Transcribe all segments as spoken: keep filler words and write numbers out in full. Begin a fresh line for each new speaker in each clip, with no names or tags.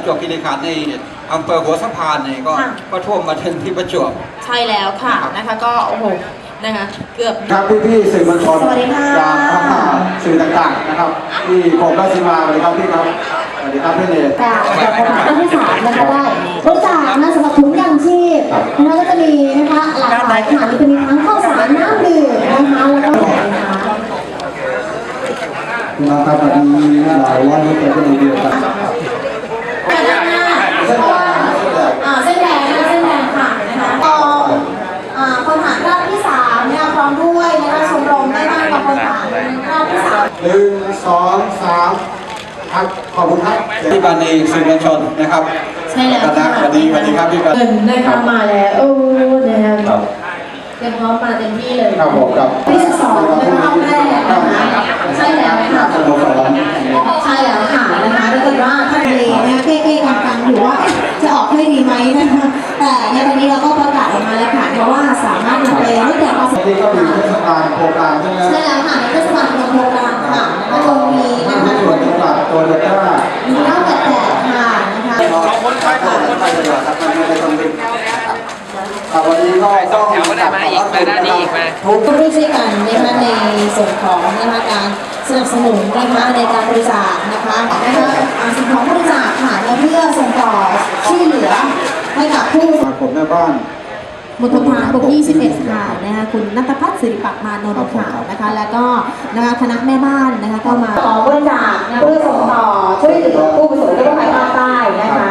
จวบคีรีขันธ์ในอำเภอหัวสะพานเนี่ยก็ก็ท่วมมาถึงที่ประจวบ
ใช่แล้วค่ะนะคะก็โอ้โหนะคะเกือบ
ครับพี่ๆสื่อมวลชนจากสื่อต่างๆนะครับที่ผมราชิมาสวัสดีครับพี่ครับสวัสดีครับพี่เนย
จากจากที่สามนะคะได้บริจาคนะสำหรับถุงยางชีพนะคะก็จะมีนะคะหลากหลายขนาดจะมีทั้งข้าวสารน้ำดื่มนะคะแล้วก็นะคะ
นะครับวันนี้หลายวันที่จะได้เดียวกัน
เส้นแดงนะเส้นแดงค่ะนะคะก็คนฐานราบที่สามเนี่ยพร้อมด้วยนะคะชมรมแม่บ้านกับคนฐานราบที่สาม
หนึ่งสองสามครับขอบคุณครับ
ที่บันในสื่อมวลชนนะครับ
ใช่แล้ว
ค่ะสวัสดีสวัสดีครับพี่บัน
เงินนะคะมาแล้วโอ้นะคะเตรียมพร้อมมาเต็มที่เลย
ครับผมครับ
ที่สิบสองนะคะรอบแรกนะคะใช่แล้วค่ะใช่แล้วค่ะนะคะถ้าเกิดว่าท่านเองนะเก้ๆกังๆอยู่ว่าจะออกให้ดีไหมนะคะแต่ในวันนี้เราก็ประกาศออกมาแล้วค่ะเพราะว่าสามารถนำไปรูปแบบภาษา
ที่ก็มีเทศบาลโครงการใช่ไหม
ใช่แล้วค่ะในเทศบาลโครงการค่ะแล้วก็มีนะคะ
ส่วนจังหวัดตัวเล็กก็
มีเล่าแปดค่ะนะคะ
คนไทยคนไทยเลยครับมันไม่ได้ต้องดึงครับวันนี้ก็ต้อง
แถวก็ได้มาอีกมาด้านนี้อีกมา
ทุกที่ช่วยกันนะคะในส่วนของนะคะการสนับสนุนนะคะในการบริจาคนะคะนะคะสิ่งของบริจาคค่ะเพื่อส่งต่อช่วยเหลือให้กับผู้
ผมแม่บ้าน
มณฑลทหารบกที่สิบเอ็ดค่ะนะคะคุณณัฐพัฒน์ศิริปักมานนท์ค่ะนะคะแล้วก็นะคะคณะแม่บ้านนะคะก็มาขอบริจาคเพื่อส่งต่อช่วยเหลือผู้ประสบอุทกภัยภาคใต้นะคะ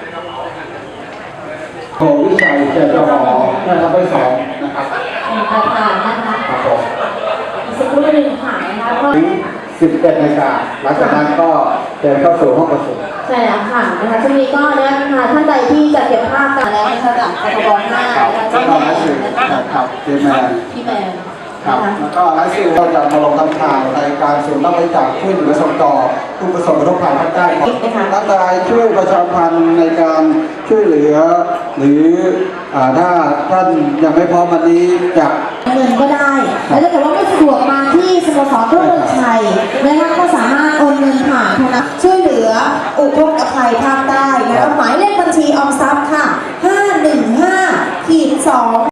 โควิชัยเจริญหอนะครับไปสองนะครับ
ประธานนะคะ
ครับผม
สักครู่หนึ่งค่ะนะคะก็
สิบเอ็ดนาฬิกาหลังจากนั้นก็เดินเข้าสู่ห้องประชุม
ใช่แล้วค่ะนะคะช่วงนี้ก็นะคะท่านใดที่จะเก็บภาพกันแล้วนะคะจากคทบห้า
เจ้าแม่ครับเจแมน
พี่แมน
ครับแล้วก็ไลฟ์สื่อเราจะมาลงทำข่าวในการสูนย์รับบริจาคช่วยเหลือส่งต่อผู้ประสบอุทกภัยภาคใต้ของรัฐบาลช่วยประชาสัมพันธ์ในการช่วยเหลือหรือถ้าท่านยังไม่พร้อมวันนี้จะ
เงินก็ได้แล้วถ้าเกิดว่าไม่สะดวกมาที่สโมสรรุ่งเรืองชัยนะคะก็สามารถโอนเงินผ่านธนาคารช่วยเหลืออุทกภัยภาคใต้นะคะหมายเลขบัญชีออมทรัพย์ค่ะห้าหนึ่งห้า สอง